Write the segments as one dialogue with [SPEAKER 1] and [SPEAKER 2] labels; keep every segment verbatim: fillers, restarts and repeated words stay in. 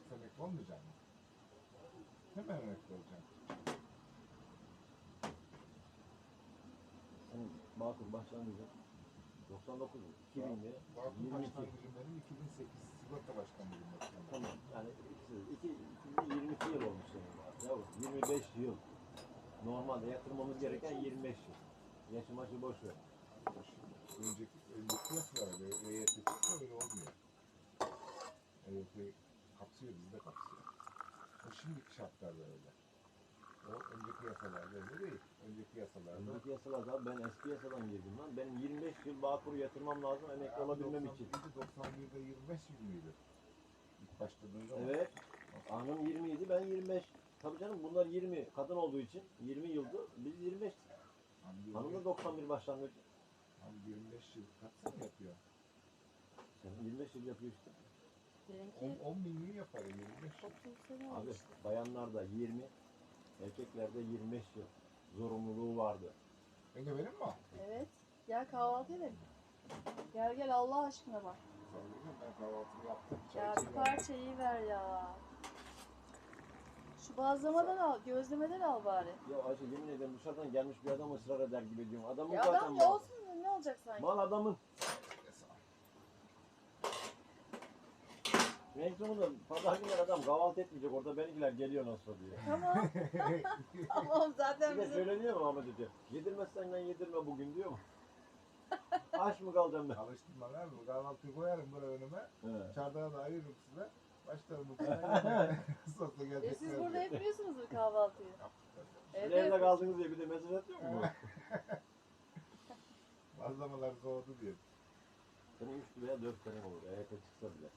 [SPEAKER 1] yoksa emekli olmayacak mı? Hemen emekli olacağım.
[SPEAKER 2] Senin Bağkur başlangıcı doksan dokuz mu? iki bin'de
[SPEAKER 1] Bağkur
[SPEAKER 2] yirmi iki.
[SPEAKER 1] başlangıcım benim iki bin sekiz sigorta başkanlığım.
[SPEAKER 2] Tamam. Yani ikisi, iki, iki bin yirmi iki yıl olmuş senin var. Yavrum yirmi beş yıl. Normalde yatırmamız gereken yirmi beş yıl. Yaşı maşı boş ver.
[SPEAKER 1] Önceki, önceki yasalar E Y T çıksa öyle olmuyor. E Y T kapsıyor, bizi de kapsıyor. O şimdiki şartlarda öyle. O önceki yasalarda öyle değil. Önceki yasalarda...
[SPEAKER 2] Önceki yasalarda ben eski yasadan girdim lan. Benim yirmi beş yıl Bağkur'u yatırmam lazım emekli olabilmem için.
[SPEAKER 1] doksan bir'de yirmi beş yıl mıydı? İlk başladığın zaman.
[SPEAKER 2] Evet. Hanım yirmi idi, ben yirmi beş. Tabii canım bunlar yirmi. Kadın olduğu için yirmi yıldı. Biz yirmi beş. Hanım da doksan bir başlangıç.
[SPEAKER 1] Abi yirmi beş yıl kaç sene yapıyor?
[SPEAKER 2] Sen yirmi beş yıl yapıyor işte.
[SPEAKER 3] Benimki
[SPEAKER 1] on bin yıl yapar yirmi beş yıl.
[SPEAKER 3] otuz sene
[SPEAKER 2] Abi
[SPEAKER 3] olmuştu.
[SPEAKER 2] bayanlarda yirmi, erkeklerde yirmi beş yıl zorunluluğu vardı.
[SPEAKER 1] Ege benim mi o?
[SPEAKER 3] Evet. Gel kahvaltı edelim. Gel gel Allah aşkına bak.
[SPEAKER 1] Sanırım ben kahvaltımı yaptım. Çay
[SPEAKER 3] Ya bir
[SPEAKER 1] içeyim.
[SPEAKER 3] parça iyi ver ya. Şu bazlamadan al, gözlemeden al bari.
[SPEAKER 2] Ya Ayşe yemin ederim dışarıdan gelmiş bir adam ısrar eder gibi diyorum. Adamın
[SPEAKER 3] Ya
[SPEAKER 2] zaten
[SPEAKER 3] adam
[SPEAKER 2] mal.
[SPEAKER 3] ne olsun ne olacak sanki?
[SPEAKER 2] Mal adamın.
[SPEAKER 1] Sağ ol.
[SPEAKER 2] En sonunda pazar günleri adam kahvaltı etmeyecek. Orada benimkiler geliyor nasıl diye.
[SPEAKER 3] Tamam. Tamam zaten
[SPEAKER 2] Bir de
[SPEAKER 3] bizim...
[SPEAKER 2] söyleniyor mu Ahmet Hoca? Yedirmezsen ben yedirme bugün diyor mu? Aç mı kalacağım ben?
[SPEAKER 1] Alıştım bana abi. Kahvaltıyı koyarım böyle önüme.
[SPEAKER 2] He.
[SPEAKER 1] Çardağı da ayırırım size. Başlarım bu kadar. Sosla
[SPEAKER 3] E
[SPEAKER 1] gelecekler.
[SPEAKER 3] siz burada yapıyorsunuz bu kahvaltıyı.
[SPEAKER 2] Siz
[SPEAKER 3] Evet.
[SPEAKER 2] evde kaldınız diye bir de mesaj atıyor mu?
[SPEAKER 1] Bazlamalar soğudu diye.
[SPEAKER 2] Senin üç veya dört sene olur. E Y T çıksa bile.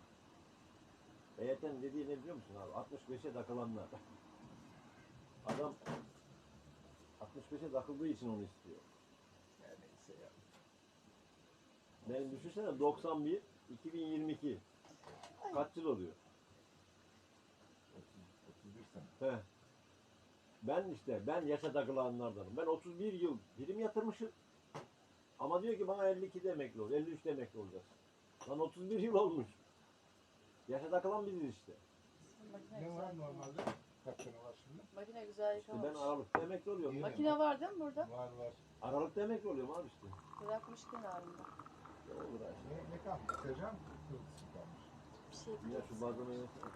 [SPEAKER 2] E Y T'nin dediği ne biliyor musun abi? altmış beşe takılanlar. Adam altmış beşe takıldığı için onu istiyor.
[SPEAKER 1] Ya neyse ya.
[SPEAKER 2] Benim düşünsene doksan bir, iki bin yirmi iki. Kaç yıl oluyor?
[SPEAKER 1] otuz, otuz bir sene.
[SPEAKER 2] He. Ben işte, ben yaşa takılanlardanım. Ben otuz bir yıl prim yatırmışım. Ama diyor ki bana elli ikide emekli ol, elli üçte emekli olacaksın. Lan otuz bir yıl olmuş. Yaşa takılan biziz işte.
[SPEAKER 3] Makine
[SPEAKER 1] Ne var
[SPEAKER 3] güzel.
[SPEAKER 1] normalde? Kaç sene var şimdi?
[SPEAKER 3] Makine güzel
[SPEAKER 2] İşte ben
[SPEAKER 3] yıkamış.
[SPEAKER 2] Aralık'ta emekli oluyorum.
[SPEAKER 1] İyi.
[SPEAKER 3] Makine var değil mi burada?
[SPEAKER 1] Var var.
[SPEAKER 2] Aralık'ta emekli oluyorum abi işte.
[SPEAKER 3] Bırakmış kenarında.
[SPEAKER 2] Ne olur Ayşe.
[SPEAKER 1] Ne, ne kalmış? Sercan kırmızısı kalmış.
[SPEAKER 3] Bir şey
[SPEAKER 2] Ya
[SPEAKER 3] yapacağız.
[SPEAKER 2] şu bazlamayı yesene.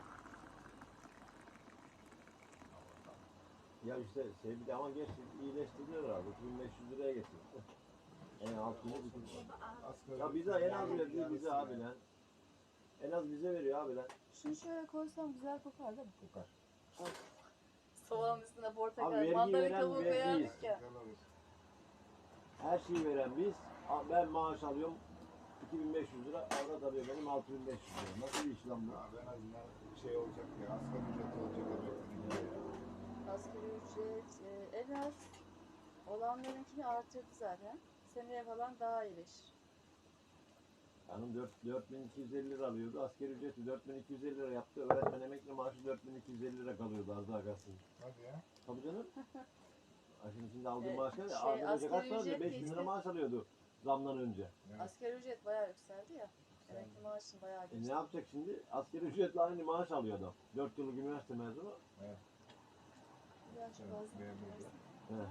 [SPEAKER 2] Ya işte şey bir de ama geç iyileştirdiler abi. iki bin beş yüz liraya getirdi. En altını bitirdi.
[SPEAKER 1] Asgari
[SPEAKER 2] Ya bize en az verdiği bize abi lan. En az bize veriyor abi lan.
[SPEAKER 3] Şunu şöyle koysam güzel kokar değil mi?
[SPEAKER 1] Kokar.
[SPEAKER 3] Soğanın üstüne
[SPEAKER 2] Abi
[SPEAKER 3] portakal,
[SPEAKER 2] vergi
[SPEAKER 3] mandalina
[SPEAKER 2] veren
[SPEAKER 3] kabuğu
[SPEAKER 2] vergiyiz.
[SPEAKER 3] koyardık ya.
[SPEAKER 1] Güzel olur.
[SPEAKER 2] Her şeyi veren biz. Ben maaş alıyorum iki bin beş yüz lira. Avrat alıyor benim altı bin beş yüz lira. Nasıl bir iş lan bu?
[SPEAKER 1] Abi en azından şey olacak ya. Asgari ücret olacak. Emekli ya.
[SPEAKER 3] Asgari ücret e, en az olanlarınkini artırdı zaten. Seneye falan daha iyileşir.
[SPEAKER 2] Hanım dört bin iki yüz elli lira alıyordu. Asgari ücreti dört bin iki yüz elli lira yaptı. Öğretmen emekli maaşı dört bin iki yüz elli lira kalıyordu az daha kalsın.
[SPEAKER 1] Hadi ya.
[SPEAKER 2] Tabii canım. Şimdi şimdi aldığı
[SPEAKER 3] E,
[SPEAKER 2] maaş ne?
[SPEAKER 3] şey,
[SPEAKER 2] Az önce
[SPEAKER 3] asgari
[SPEAKER 2] kaç paraydı?
[SPEAKER 3] ücret
[SPEAKER 2] beş bin lira
[SPEAKER 3] geçti.
[SPEAKER 2] maaş alıyordu zamdan önce.
[SPEAKER 1] Evet.
[SPEAKER 3] Asgari ücret bayağı yükseldi ya. Emekli maaşını bayağı
[SPEAKER 2] E ne
[SPEAKER 3] geçti.
[SPEAKER 2] yapacak şimdi? Asgari ücretle aynı maaş alıyor adam. dört yıllık üniversite mezunu.
[SPEAKER 1] Evet.
[SPEAKER 3] Ya şu
[SPEAKER 1] Evet,
[SPEAKER 3] bazı-
[SPEAKER 1] memurdu.
[SPEAKER 2] He.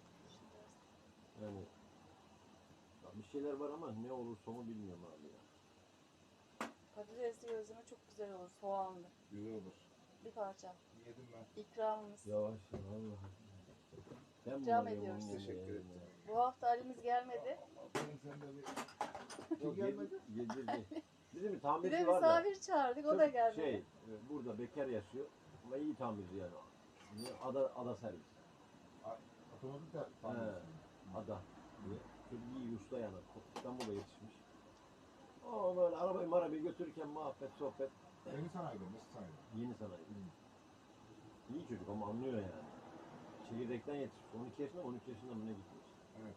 [SPEAKER 2] Yani ya bir şeyler var ama ne olur sonu bilmiyorum abi ya.
[SPEAKER 3] Patatesli gözleme çok güzel olur, soğanlı.
[SPEAKER 1] Güzel olur.
[SPEAKER 3] Bir parça.
[SPEAKER 1] Yedim ben.
[SPEAKER 3] İkramımız.
[SPEAKER 2] Yavaş ya vallahi. Ben
[SPEAKER 3] İkram
[SPEAKER 2] bunları
[SPEAKER 3] ediyoruz.
[SPEAKER 2] yemem
[SPEAKER 1] Teşekkür
[SPEAKER 2] yemeğe
[SPEAKER 1] ederim.
[SPEAKER 3] Bu hafta Ali'miz gelmedi.
[SPEAKER 1] Aferin sen de bir...
[SPEAKER 2] Yok,
[SPEAKER 1] Kim gelmedi?
[SPEAKER 2] Yedirdi. Bizim bir
[SPEAKER 3] Bir
[SPEAKER 2] tamirci
[SPEAKER 3] de
[SPEAKER 2] var da.
[SPEAKER 3] misafir çağırdık, o
[SPEAKER 2] Çok
[SPEAKER 3] da gelmedi.
[SPEAKER 2] Şey, e, burada bekar yaşıyor ama iyi tamirci yani. Ada, ada servis.
[SPEAKER 1] Otomatik de
[SPEAKER 2] He,
[SPEAKER 1] tamircisi.
[SPEAKER 2] ada diye. Çok iyi usta yani. İstanbul'da yetişmiş. O böyle arabayı marabayı götürürken muhabbet, sohbet.
[SPEAKER 1] Yeni sanayide, nasıl sanayide?
[SPEAKER 2] Yeni sanayi. İyi çocuk ama anlıyor yani. Çekirdekten yetişmiş. on iki yaşında on üç yaşında mı ne gitmiş.
[SPEAKER 1] Evet.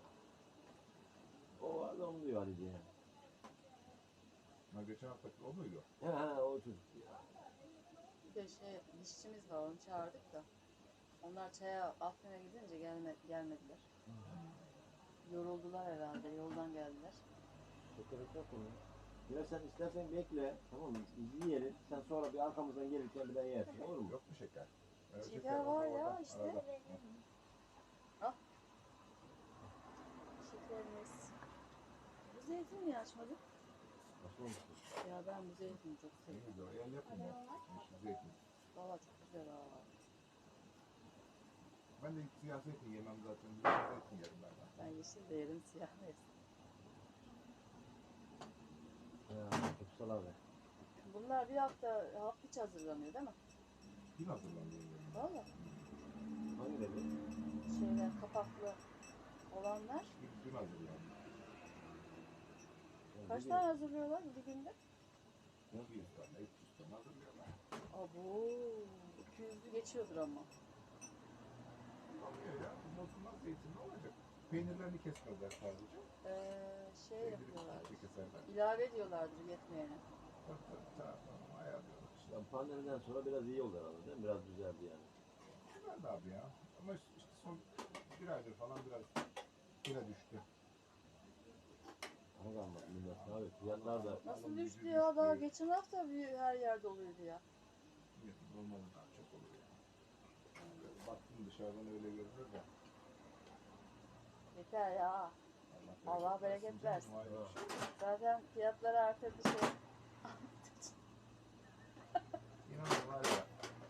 [SPEAKER 2] O adam diyor Ali diye.
[SPEAKER 1] Ha, geçen haftaki o muydu?
[SPEAKER 2] He he o çocuk ya.
[SPEAKER 3] Bir de şey, dişçimiz var, onu çağırdık da. Onlar çaya Afrin'e gidince gelme, gelmediler. Yoruldular herhalde, yoldan geldiler.
[SPEAKER 2] Çok gerek yok onu. Ya sen istersen bekle, tamam mı? İzleyelim. Sen sonra bir arkamızdan gelirken bir daha yersin, olur mu?
[SPEAKER 1] Yok mu şeker? Ee,
[SPEAKER 3] Şeker
[SPEAKER 1] orada,
[SPEAKER 3] var ya
[SPEAKER 1] orada,
[SPEAKER 3] işte.
[SPEAKER 1] arada.
[SPEAKER 3] Şekerimiz. Bu zeytin niye açmadın?
[SPEAKER 2] Nasıl olmuş?
[SPEAKER 3] Ya ben bu zeytini çok
[SPEAKER 1] Ne
[SPEAKER 3] seviyorum.
[SPEAKER 1] güzel. El yapımı. Yeşil zeytin.
[SPEAKER 3] Valla çok güzel ha.
[SPEAKER 1] Ben de siyah zeytin yemem zaten. Yeşil zeytin yerim ben. de.
[SPEAKER 3] Ben yeşil de yerim, siyah da yerim.
[SPEAKER 2] Ya, Kutsal abi.
[SPEAKER 3] Bunlar bir hafta hafif hazırlanıyor değil mi?
[SPEAKER 1] Dün hazırlanıyor yerim.
[SPEAKER 3] Valla.
[SPEAKER 2] Hangileri?
[SPEAKER 3] Şeyler kapaklı olanlar.
[SPEAKER 1] Dün, dün hazırlanıyor.
[SPEAKER 2] Ya,
[SPEAKER 3] Kaç
[SPEAKER 2] bir
[SPEAKER 3] tane hazırlıyorlar bir günde?
[SPEAKER 1] iki yüz tane, üç yüz tane hazırlıyorlar.
[SPEAKER 3] Abo, iki yüzü geçiyordur ama.
[SPEAKER 1] Oluyor ya. Bu bozulmaz zeytin ne olacak? Peynirlerini kesmezler sadece.
[SPEAKER 3] Ee, şey
[SPEAKER 1] Peyniri
[SPEAKER 3] yapıyorlar.
[SPEAKER 1] küçükçe keserler.
[SPEAKER 3] İlave ediyorlardır yetmeyene.
[SPEAKER 1] Tabii tabii. Tamam. Ayarlıyorlar işte.
[SPEAKER 2] Ya, pandemiden sonra biraz iyi oldu herhalde değil mi? Biraz düzeldi yani.
[SPEAKER 1] Güzeldi abi ya. Ama işte işte son bir aydır falan biraz yine düştü.
[SPEAKER 2] Ama kalmadı millet abi. Fiyatlar da
[SPEAKER 3] Nasıl
[SPEAKER 1] Alım
[SPEAKER 3] düştü
[SPEAKER 1] gücü
[SPEAKER 3] ya? Daha
[SPEAKER 1] düştü.
[SPEAKER 3] geçen hafta bir her yerde oluyordu ya.
[SPEAKER 1] Milletin olmadan çok oluyor. Böyle baktım dışarıdan öyle görünür de.
[SPEAKER 3] Yeter ya. Allah bereket versin.
[SPEAKER 1] canım, ayrı bir şey.
[SPEAKER 3] Zaten fiyatları arttırdı şey.
[SPEAKER 1] İnanın var ya.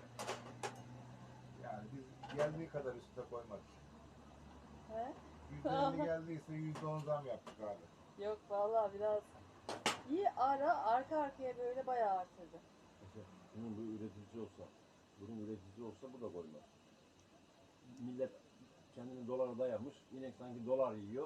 [SPEAKER 1] Yani biz geldiği kadar üstüne koymadık.
[SPEAKER 3] He?
[SPEAKER 1] yüzde elli geldiyse yüzde on zam yaptık abi.
[SPEAKER 3] Yok vallahi biraz iyi ara arka arkaya böyle bayağı arttırdı.
[SPEAKER 2] mesela bunun bir üreticisi olsa, bunun üreticisi olsa bu da koymaz. Millet kendini dolara dayamış. Yine sanki dolar yiyor.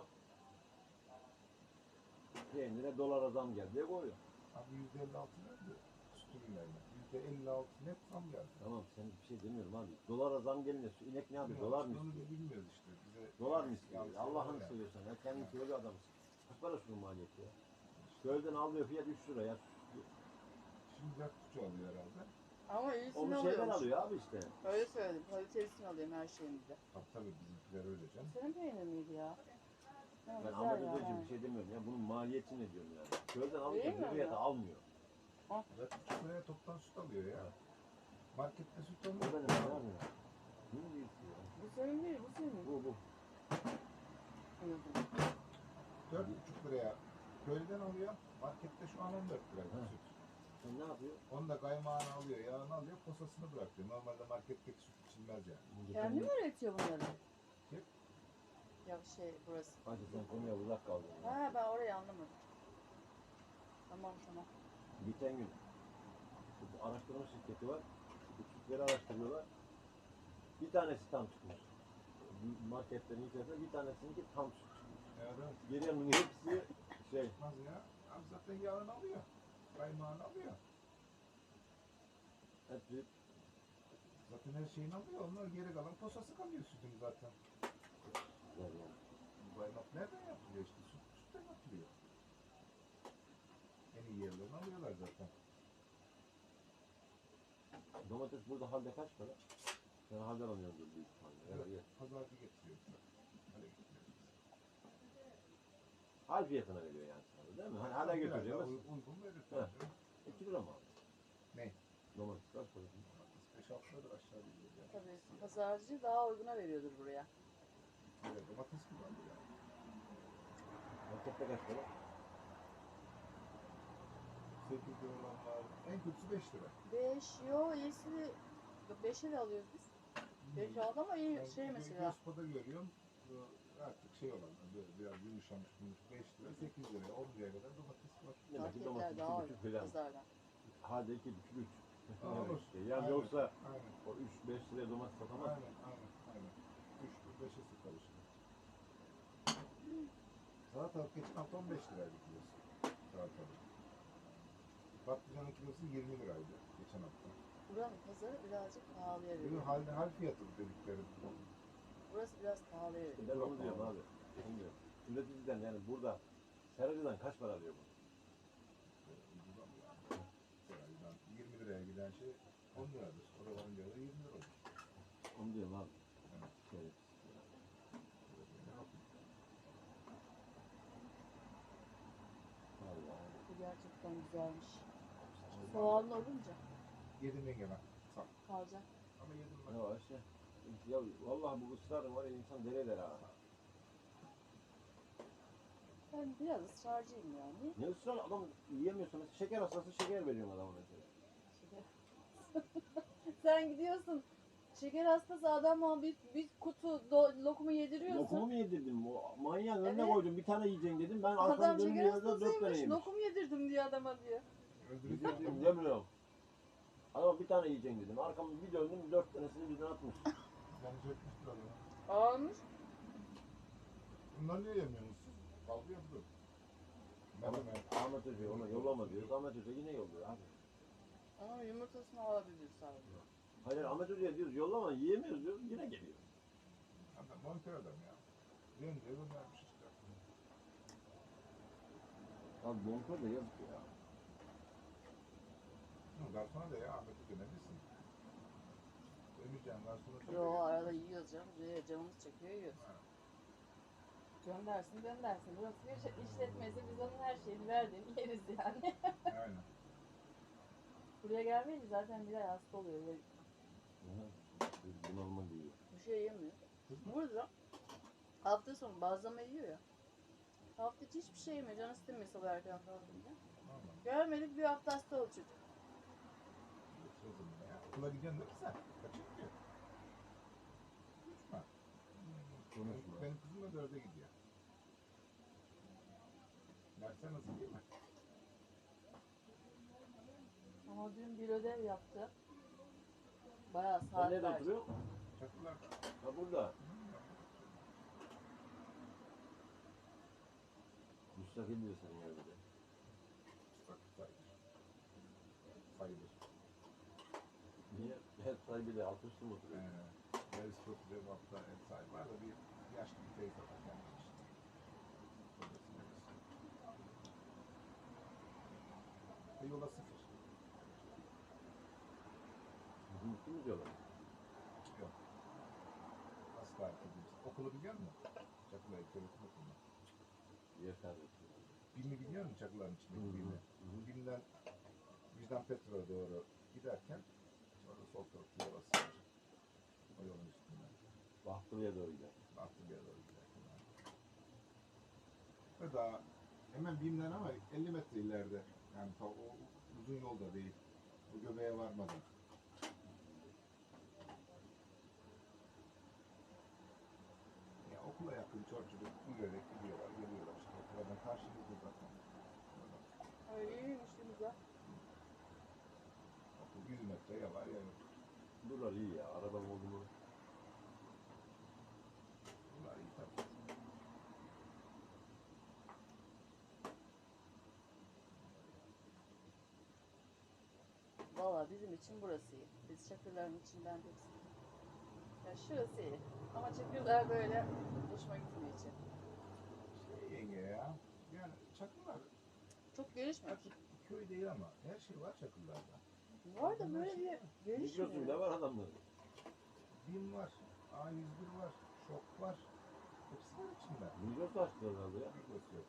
[SPEAKER 2] Peynire dolara zam geldi diye koyuyor.
[SPEAKER 1] Abi yüzde elli altı nerede? Süt ürünlerine. yüzde elli altı net zam geldi.
[SPEAKER 2] Tamam sen bir şey demiyorum abi. Dolara zam gelince şu inek ne yapıyor? Dolar mı
[SPEAKER 1] Onu
[SPEAKER 2] istiyor?
[SPEAKER 1] da bilmiyoruz işte. Bize
[SPEAKER 2] Dolar mı istiyor?
[SPEAKER 1] yanlış
[SPEAKER 2] Allah'ını
[SPEAKER 1] oluyor ya.
[SPEAKER 2] seviyorsan ya. Kendin köylü adamsın. Kaç para şunun maliyeti ya? Köyden alıyor fiyat üç lira ya.
[SPEAKER 1] Şimdi dört buçuk oluyor herhalde.
[SPEAKER 3] Ama iyisini
[SPEAKER 2] Onu şeyden
[SPEAKER 3] alıyormuş.
[SPEAKER 2] alıyor abi işte.
[SPEAKER 3] Öyle söyledim. Kalitesini alıyorum her şeyimizde.
[SPEAKER 1] Tabii tabii bizimkiler öyle canım.
[SPEAKER 3] Senin peynir miydi ya? Ha,
[SPEAKER 2] Ben
[SPEAKER 3] güzel
[SPEAKER 2] Ahmet
[SPEAKER 3] ya,
[SPEAKER 2] Özdeci'ye
[SPEAKER 3] ha.
[SPEAKER 2] bir şey demiyorum ya. Bunun maliyetini ne diyorum yani. Köyden
[SPEAKER 3] Değil
[SPEAKER 2] alıyor
[SPEAKER 3] mi
[SPEAKER 2] bu fiyata
[SPEAKER 3] ya?
[SPEAKER 2] almıyor.
[SPEAKER 1] dört buçuk liraya toptan süt alıyor ya.
[SPEAKER 2] Evet.
[SPEAKER 1] Markette süt
[SPEAKER 2] O
[SPEAKER 1] alıyor.
[SPEAKER 2] benim ne yapıyor? Ne diyorsun ya?
[SPEAKER 3] Bu senin değil, bu senin.
[SPEAKER 2] Bu bu.
[SPEAKER 3] Anladım.
[SPEAKER 1] dört buçuk liraya köylüden alıyor. Markette şu an on dört lira
[SPEAKER 2] Ha.
[SPEAKER 1] süt.
[SPEAKER 2] Sen ne yapıyor?
[SPEAKER 1] Onu da kaymağını alıyor, yağını alıyor, posasını bırakıyor. Normalde marketteki süt içilmez yani.
[SPEAKER 3] Kendi mi üretiyor bunları?
[SPEAKER 1] Kim?
[SPEAKER 3] Ya şey burası.
[SPEAKER 2] Hadi sen konuya uzak kaldın. Ya.
[SPEAKER 3] Ha ben orayı anlamadım. Tamam tamam.
[SPEAKER 2] Geçen gün bu araştırma şirketi var. Bu sütleri araştırıyorlar. Bir tanesi tam çıkmış. Marketlerin içerisinde bir tanesininki tam süt çıkmış.
[SPEAKER 1] Evet.
[SPEAKER 2] Geriye hepsi şey.
[SPEAKER 1] Çıkmaz ya. Abi zaten yağını alıyor. Kaymağını alıyor.
[SPEAKER 2] Hepsi
[SPEAKER 1] Zaten her şeyini alıyor. Onlar geri kalan posası kalıyor sütün zaten.
[SPEAKER 2] yani.
[SPEAKER 1] Bu kaymak nereden yapılıyor işte? Süt, sütten yapılıyor. En iyi yerlerini alıyorlar zaten.
[SPEAKER 2] Domates burada halde kaç para? Sen halde alıyordur büyük ihtimalle. Evet.
[SPEAKER 1] Evet. Pazarcı getiriyor. Hale getiriyor.
[SPEAKER 2] Hal fiyatına veriyor yani sana değil mi? Hani hala
[SPEAKER 1] Biraz daha
[SPEAKER 2] götüreceğiz.
[SPEAKER 1] uy- Uygun verir.
[SPEAKER 2] He.
[SPEAKER 1] tabii canım.
[SPEAKER 2] iki lira mı abi?
[SPEAKER 1] Ne?
[SPEAKER 2] Domates kaç para?
[SPEAKER 1] beş altı liradır aşağı gidiyor yani.
[SPEAKER 3] Tabii pazarcı daha uyguna veriyordur buraya.
[SPEAKER 1] Evet, domates kullanıyor yani.
[SPEAKER 2] Markette kaç para?
[SPEAKER 1] sekiz lira olan var. En kötüsü beş lira.
[SPEAKER 3] beş yo iyisi beşe de alıyoruz biz. beş aldı ama iyi
[SPEAKER 1] Ben
[SPEAKER 3] şey
[SPEAKER 1] gö-
[SPEAKER 3] mesela.
[SPEAKER 1] Gözpa'da görüyorum. Bu artık şey olan böyle biraz yumuşamış beş lira sekiz lira on liraya kadar domates var.
[SPEAKER 2] Demek ki
[SPEAKER 3] Marketler
[SPEAKER 2] domates
[SPEAKER 3] daha
[SPEAKER 2] iki buçuk
[SPEAKER 3] uygun
[SPEAKER 2] falan.
[SPEAKER 3] pazardan.
[SPEAKER 2] Halde iki buçuk üç.
[SPEAKER 1] Aa, olur.
[SPEAKER 2] işte. Yani
[SPEAKER 1] Aynen,
[SPEAKER 2] yoksa
[SPEAKER 1] Aynen.
[SPEAKER 2] o üç beş liraya domates satamaz.
[SPEAKER 1] Aynen. Aynen. Aynen. üç beşe sıfır işte. Salatalık geçen hafta on beş liraydı kilosu. Salatalık. Patlıcanın kilosu yirmi liraydı geçen hafta.
[SPEAKER 3] Buranın pazarı birazcık pahalıya
[SPEAKER 1] Bugün
[SPEAKER 3] veriyor.
[SPEAKER 1] hal, hal fiyatı dedikleri.
[SPEAKER 3] Burası biraz pahalıya veriyor.
[SPEAKER 2] Ben onu diyorum abi. Onu diyorum. Üreticiden yani burada seracıdan kaç para alıyor bu?
[SPEAKER 1] Ucuzam yani. Seraydan yirmi liraya giden şey on liradır. Orada on lirada yirmi lira olur.
[SPEAKER 2] Onu diyorum abi.
[SPEAKER 1] Evet.
[SPEAKER 2] Şey,
[SPEAKER 1] Ne yapayım?
[SPEAKER 2] vallahi.
[SPEAKER 3] Bu gerçekten güzelmiş. Soğanlı olunca.
[SPEAKER 1] Yedim yengeme. Sağ ol.
[SPEAKER 3] Kalacak.
[SPEAKER 1] Ama yedim ben.
[SPEAKER 2] Ya işte. Ya vallahi bu ısrarın var ya insan deli eder ha.
[SPEAKER 3] Ben biraz ısrarcıyım yani.
[SPEAKER 2] Ne ısrar adam yiyemiyorsa mesela şeker hastası şeker veriyorsun adama mesela.
[SPEAKER 3] Şeker. Sen gidiyorsun. Şeker hastası adama bir, bir kutu do- lokumu yediriyorsun.
[SPEAKER 2] Lokumu mu yedirdim? O manyağın önüne
[SPEAKER 3] Evet.
[SPEAKER 2] koydum bir tane yiyeceksin dedim. Ben
[SPEAKER 3] Adam
[SPEAKER 2] arkamı döndüğüm
[SPEAKER 3] şeker
[SPEAKER 2] yerde dört tane
[SPEAKER 3] hastasıymış.
[SPEAKER 2] yemiş.
[SPEAKER 3] Lokum yedirdim diye adama diyor.
[SPEAKER 1] Öldüreceğim
[SPEAKER 2] Yedirdim
[SPEAKER 1] diyorum.
[SPEAKER 2] demiyorum. Adama bir tane yiyeceksin dedim. Arkamı bir döndüm dört tanesini birden atmış.
[SPEAKER 1] Beni çekmiştir adamı.
[SPEAKER 3] Almış.
[SPEAKER 1] Bunları niye yemiyorsunuz siz? Kavga yapıyor. Ben
[SPEAKER 2] Ahmet,
[SPEAKER 1] hemen
[SPEAKER 2] Ahmet Hoca ona yollama diyoruz. Ahmet Hoca yine yolluyor abi.
[SPEAKER 3] Ama yumurtasını alabilir sadece.
[SPEAKER 2] Hayır Ahmet Hoca'ya diyoruz yollama yiyemiyoruz diyoruz yine geliyor.
[SPEAKER 1] adam monitör adam ya. Yenge göndermiş işte.
[SPEAKER 2] Abi bonkör de yazık ya.
[SPEAKER 1] Ondan sonra da ya Ahmet Hoca ne bilsin. Demeyeceğim daha sonra.
[SPEAKER 3] Yo arada yiyoruz canım. Ee, Canımız çekiyor yiyoruz. Göndersin göndersin. Burası bir şey- işletmesi. Biz onun her şeyini verdiğini yeriz yani.
[SPEAKER 1] Aynen.
[SPEAKER 3] Buraya gelmeyince zaten bir ay hasta oluyor. Böyle
[SPEAKER 2] Bunalma diyor.
[SPEAKER 3] bir şey yemiyor. Burada hafta sonu bazlama yiyor ya. Hafta içi hiçbir şey yemiyor. Canı istemiyor sabah erken kalkınca.
[SPEAKER 1] Normal.
[SPEAKER 3] Görmedik bir hafta hasta oldu çocuk.
[SPEAKER 1] Sözüm ya. Okula gidiyorsun değil mi sen? Kaçıncı gidiyor? Üç mü?
[SPEAKER 2] Konuşma.
[SPEAKER 1] Benim kızım da dörde gidiyor. Dersler nasıl değil mi?
[SPEAKER 3] Ama dün bir ödev yaptı. Bayağı
[SPEAKER 2] Sen
[SPEAKER 3] saat
[SPEAKER 2] nerede
[SPEAKER 3] verdi.
[SPEAKER 2] oturuyorsun?
[SPEAKER 1] Çakırlarda.
[SPEAKER 2] Ha burada. Müstakil bir senin evde.
[SPEAKER 1] Bak sayılır. Sayılır.
[SPEAKER 2] Niye? Her sahibi de alt üstü mü
[SPEAKER 1] Ee,
[SPEAKER 2] oturuyor?
[SPEAKER 1] Yarısı çok güzel bir hafta ev sahibi var da bir yaşlı bir teyze var gelmiş işte. Babası babası. E yola sıfır.
[SPEAKER 2] Bizim bitti mi diyorlar?
[SPEAKER 1] Yok. Nasıl tarif edeyim? Okulu biliyor musun? Çakılar İlköğretim Okulu'nu.
[SPEAKER 2] Yer kardeşim.
[SPEAKER 1] BİM'i biliyor musun Çakılar'ın içindeki
[SPEAKER 2] Hı hı.
[SPEAKER 1] BİM'i?
[SPEAKER 2] Hı hı.
[SPEAKER 1] BİM'den Vicdan Petro'ya doğru giderken sonra sol tarafta yola sıfır. O yolun üstünden.
[SPEAKER 2] Bahtlı'ya doğru gider.
[SPEAKER 1] Bahtı'ya doğru giderken. Ve daha hemen BİM'den ama elli metre ileride. Yani ta o uzun yolda değil. Bu göbeğe varmadan. Ya okula yakın çocuk çocuk yürüyerek gidiyorlar, geliyorlar işte. Okuladan karşımızda zaten.
[SPEAKER 3] Ay iyiymiş güzel.
[SPEAKER 1] Okul yüz metre ya var ya yok.
[SPEAKER 2] Buralar iyi ya. Arabam oldu mu?
[SPEAKER 1] Bunlar iyi tabii.
[SPEAKER 3] Valla bizim için burası iyi. Biz Çakırların içinden pek ya şurası iyi. Ama Çakırlar böyle hoşuma gitmiyor için.
[SPEAKER 1] Şey yenge ya. Yani Çakırlar
[SPEAKER 3] Çok gelişmiyor.
[SPEAKER 1] açık köy değil ama her şey var Çakırlar'da.
[SPEAKER 3] Var da böyle bir
[SPEAKER 2] Migros'un ne
[SPEAKER 3] gelişmiyor.
[SPEAKER 2] var adamların?
[SPEAKER 1] BİM var, A yüz bir var, Şok var. Hepsi var içinde.
[SPEAKER 2] Migros açtılar herhalde ya.
[SPEAKER 1] Migros yok.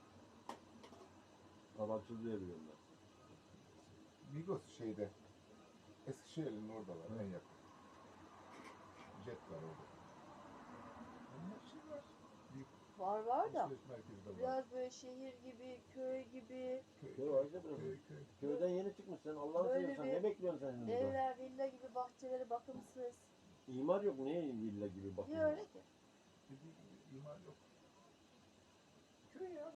[SPEAKER 2] Sabahçı diye biliyorum ben.
[SPEAKER 1] Migros şeyde Eskişehir'in orada var
[SPEAKER 2] Hı.
[SPEAKER 1] en yakın. Jet var orada. Yani her şey var. Büyük
[SPEAKER 3] Var var da
[SPEAKER 1] alışveriş merkezi de var.
[SPEAKER 3] biraz böyle şehir gibi, köy gibi,
[SPEAKER 1] Köy,
[SPEAKER 2] Köy var işte burası.
[SPEAKER 1] köy, köy.
[SPEAKER 2] Köyden yeni çıkmışsın. Allah'ını
[SPEAKER 3] Böyle
[SPEAKER 2] seversen
[SPEAKER 3] bir
[SPEAKER 2] ne bekliyorsun sen şimdi burada?
[SPEAKER 3] evler, villa gibi bahçeleri bakımsız.
[SPEAKER 2] İmar yok. Niye villa gibi bakıyorsun?
[SPEAKER 3] Niye öyle ki?
[SPEAKER 1] Dediği gibi imar yok. Köy ya.